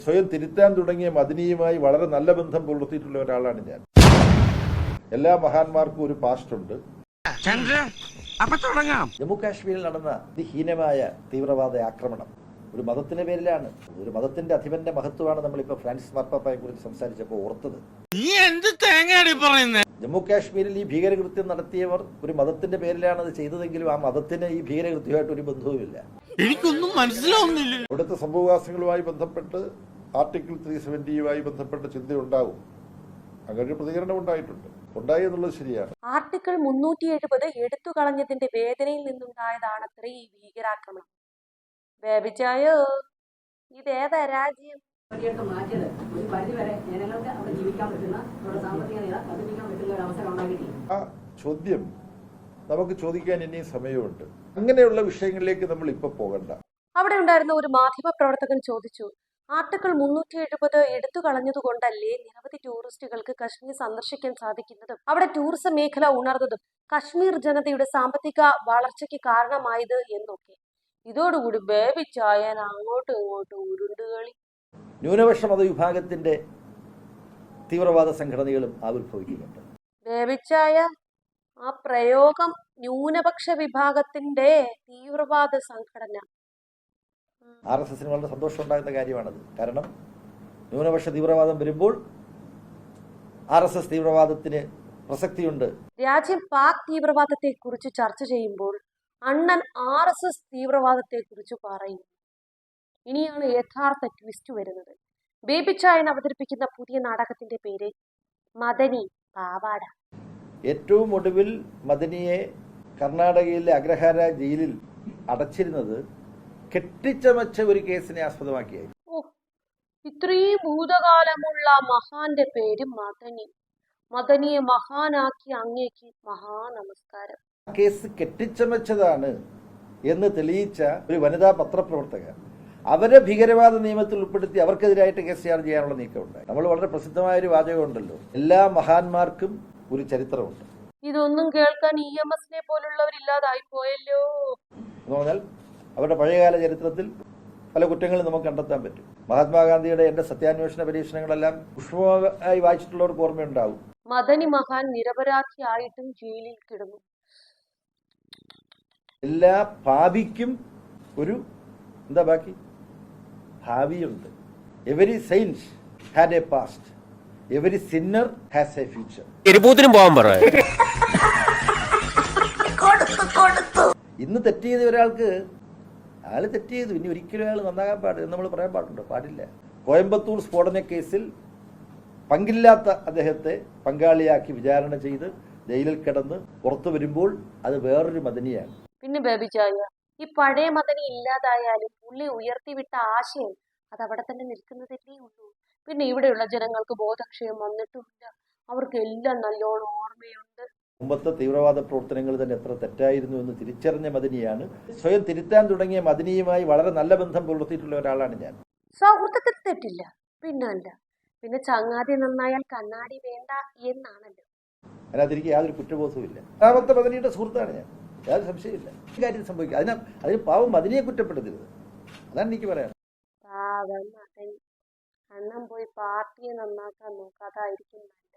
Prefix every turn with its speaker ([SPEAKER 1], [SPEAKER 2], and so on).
[SPEAKER 1] സ്വയം തിരുത്താൻ തുടങ്ങിയ മദനിയുമായി വളരെ നല്ല ബന്ധം പുലർത്തിയിട്ടുള്ള ഒരാളാണ് ഞാൻ. എല്ലാ മഹാന്മാർക്കും ഒരു പാസ്റ്റ് ഉണ്ട്. ജമ്മു കാശ്മീരിൽ നടന്ന അതിഹീനമായ തീവ്രവാദ ആക്രമണം ഒരു മതത്തിന്റെ പേരിലാണ്. ഒരു മതത്തിന്റെ അധിപന്റെ മഹത്വമാണ് നമ്മളിപ്പോ ഫ്രാൻസിസ് മാർപ്പാപ്പയെ കുറിച്ച് സംസാരിച്ചപ്പോൾ ഓർത്തത്. ജമ്മു കാശ്മീരിൽ ഈ ഭീകരകൃത്യം നടത്തിയവർ ഒരു മതത്തിന്റെ പേരിലാണ് അത് ചെയ്തതെങ്കിലും ആ മതത്തിന് ഈ ഭീകരകൃത്യമായിട്ട് ഒരു ബന്ധവുമില്ല.
[SPEAKER 2] എനിക്കൊന്നും മനസ്സിലാവുന്നില്ല.
[SPEAKER 1] ഇവിടുത്തെ സംഭവവാസങ്ങളുമായി ബന്ധപ്പെട്ട് ആർട്ടിക്കിൾ 370 ബന്ധപ്പെട്ട ചിന്തയുണ്ടാവും. അങ്ങനെ ഒരു പ്രതികരണം ഉണ്ടായി എന്നുള്ളത് ശരിയാണ്.
[SPEAKER 3] ആർട്ടിക്കിൾ 370 എടുത്തു കളഞ്ഞതിന്റെ വേദനയിൽ നിന്നുണ്ടായതാണത്രേ ഈ ഭീകരാക്രമണം. ബേബിച്ചായോ, ഇതേതാ രാജ്യം?
[SPEAKER 4] മാറ്റിയത് ഒരു പരിധിവരെ ജനങ്ങൾക്ക് അവിടെ ജീവിക്കാൻ പറ്റുന്ന സാമ്പത്തിക നില വർദ്ധിപ്പിക്കാൻ പറ്റുന്ന ഒരു അവസരം ഉണ്ടാക്കിയിട്ടില്ല.
[SPEAKER 1] ആ ചോദ്യം നമുക്ക് ചോദിക്കാൻ ഇനിയും സമയമുണ്ട്. അങ്ങനെയുള്ള വിഷയങ്ങളിലേക്ക് നമ്മൾ ഇപ്പൊ പോകണ്ട.
[SPEAKER 3] അവിടെ ഉണ്ടായിരുന്ന ഒരു മാധ്യമ പ്രവർത്തകൻ ചോദിച്ചു, ആർട്ടിക്കിൾ 370 എടുത്തു കളഞ്ഞതുകൊണ്ടല്ലേ നിരവധി ടൂറിസ്റ്റുകൾക്ക് കശ്മീർ സന്ദർശിക്കാൻ സാധിക്കുന്നതും അവിടെ ടൂറിസം മേഖല ഉണർന്നതും കശ്മീർ ജനതയുടെ സാമ്പത്തിക വളർച്ചയ്ക്ക് കാരണമായത് എന്നൊക്കെ. ഇതോടുകൂടി ബേബി ചായൻ അങ്ങോട്ടും ഇങ്ങോട്ടും ഉരുണ്ടുകളി.
[SPEAKER 5] ന്യൂനപക്ഷ മതവിഭാഗത്തിന്റെ തീവ്രവാദ സംഘടനകളും ആവിർഭവിക്കുന്നുണ്ട്.
[SPEAKER 3] ബേബി ചായ, ആ പ്രയോഗം ന്യൂനപക്ഷ വിഭാഗത്തിന്റെ തീവ്രവാദ സംഘടന,
[SPEAKER 5] RSSന് വളരെ സന്തോഷം ഉണ്ടാകുന്ന കാര്യമാണത്. കാരണം ന്യൂനപക്ഷ തീവ്രവാദം വരുമ്പോൾ RSS തീവ്രവാദത്തിന് പ്രസക്തിയുണ്ട്.
[SPEAKER 3] രാജ്യം പാക് തീവ്രവാദത്തെ കുറിച്ച് ചർച്ച ചെയ്യുമ്പോൾ അണ്ണൻ RSS തീവ്രവാദത്തെ കുറിച്ച് പറയും. ഇനിയാണ് യഥാർത്ഥ ട്വിസ്റ്റ് വരുന്നത്. ബേബി ചായൻ അവതരിപ്പിക്കുന്ന പുതിയ നാടകത്തിന്റെ പേര് മദനി പാവാട.
[SPEAKER 5] ഏറ്റവും ഒടുവിൽ മദനിയെ കർണാടകയിലെ അഗ്രഹാര ജയിലിൽ അടച്ചിരുന്നത് കെട്ടിച്ചമച്ച ഒരു കേസിനെ ആസ്പദമാക്കിയായിരുന്നു.
[SPEAKER 3] ഇത്രയും ഭൂതകാലമുള്ള മഹാന്റെ പേര് മദനി. മദനിയെ മഹാനാക്കി അങ്ങേക്ക് മഹാനമസ്കാരം.
[SPEAKER 5] ആ കേസ് കെട്ടിച്ചമച്ചതാണ് എന്ന് തെളിയിച്ച ഒരു വനിതാ പത്രപ്രവർത്തക അവരെ ഭീകരവാദ നിയമത്തിൽ ഉൾപ്പെടുത്തി അവർക്കെതിരായിട്ട് കേസ് ചാർജ് ചെയ്യാനുള്ള നീക്കമുണ്ടായി. നമ്മൾ വളരെ പ്രസിദ്ധമായ ഒരു വാചകമുണ്ടല്ലോ, എല്ലാ മഹാന്മാർക്കും ഒരു ചരിത്രമുണ്ട്.
[SPEAKER 3] ഇതൊന്നും കേൾക്കാൻ EMSനെ പോലുള്ളവരില്ലാതായി പോയല്ലോ
[SPEAKER 5] എന്ന് പറഞ്ഞാൽ അവരുടെ പഴയകാല ചരിത്രത്തിൽ പല കുറ്റങ്ങളും നമുക്ക് കണ്ടെത്താൻ പറ്റും. മഹാത്മാഗാന്ധിയുടെ എന്റെ സത്യാന്വേഷണ പരീക്ഷണങ്ങളെല്ലാം പുഷ്പമായി വായിച്ചിട്ടുള്ളവർക്ക് ഓർമ്മയുണ്ടാവും.
[SPEAKER 3] മദനി മഹാൻ നിരപരാധിയായിട്ടും ജയിലിൽ കിടന്നു.
[SPEAKER 5] എല്ലാ പാപിക്കും ഒരു എന്താ ബാക്കി ഭാവിയുണ്ട്. Every saint had a past, every sinner has a future.
[SPEAKER 2] പോകാൻ പറ.
[SPEAKER 5] ഇന്ന് തെറ്റ് ചെയ്ത ഒരാൾക്ക് അയാൾ തെറ്റ് ചെയ്തു, ഇനി ഒരിക്കലും അയാൾ നന്നാകാൻ പാടില്ല നമ്മൾ പറയാൻ പാടുണ്ടോ? പാടില്ല. കോയമ്പത്തൂർ സ്ഫോടന കേസിൽ പങ്കില്ലാത്ത അദ്ദേഹത്തെ പങ്കാളിയാക്കി വിചാരണ ചെയ്ത് ജയിലിൽ കിടന്ന് പുറത്തു വരുമ്പോൾ അത് വേറൊരു മദനിയാണ്.
[SPEAKER 3] പിന്നെ ബേബി ചായ, ഈ പഴയ മദനി ഇല്ലാതായാലും പുള്ളി ഉയർത്തിവിട്ട ആശയം അത് അവിടെ തന്നെ നിൽക്കുന്നതല്ലേ ഉള്ളൂ. പിന്നെ ഇവിടെയുള്ള ജനങ്ങൾക്ക് ബോധക്ഷയം വന്നിട്ടുമില്ല. അവർക്ക് എല്ലാം നല്ലോണം ഓർമ്മയുണ്ട്.
[SPEAKER 5] മുമ്പത്തെ തീവ്രവാദ പ്രവർത്തനങ്ങൾ തന്നെ എത്ര തെറ്റായിരുന്നു എന്ന് തിരിച്ചറിഞ്ഞ മദനിയാണ്. സ്വയം തിരുത്താൻ തുടങ്ങിയ മദനിയുമായി വളരെ നല്ല ബന്ധം പുലർത്തിയിട്ടുള്ള ഒരാളാണ് ഞാൻ.
[SPEAKER 3] സൗഹൃദത്തിൽ തെറ്റില്ല, പിന്നല്ല. പിന്നെ ചങ്ങാതി നന്നായാൽ കണ്ണാടി വേണ്ട എന്നാണല്ലോ.
[SPEAKER 5] അതിനകത്തിരിക്ക് യാതൊരു കുറ്റബോധവും ഇല്ല. രണ്ടാമത്തെ മദനിയുടെ സുഹൃത്താണ് ഞാൻ, യാതൊരു സംശയമില്ല. ഈ കാര്യം സംഭവിക്കുക അതിന് പാവം മദനിയെ കുറ്റപ്പെടുത്തരുത്, അതാണ് എനിക്ക് പറയാം.
[SPEAKER 3] പാവം മദനി, അണ്ണൻ പോയി പാർട്ടിയെ നന്നാക്കാൻ നോക്കാതായിരിക്കും.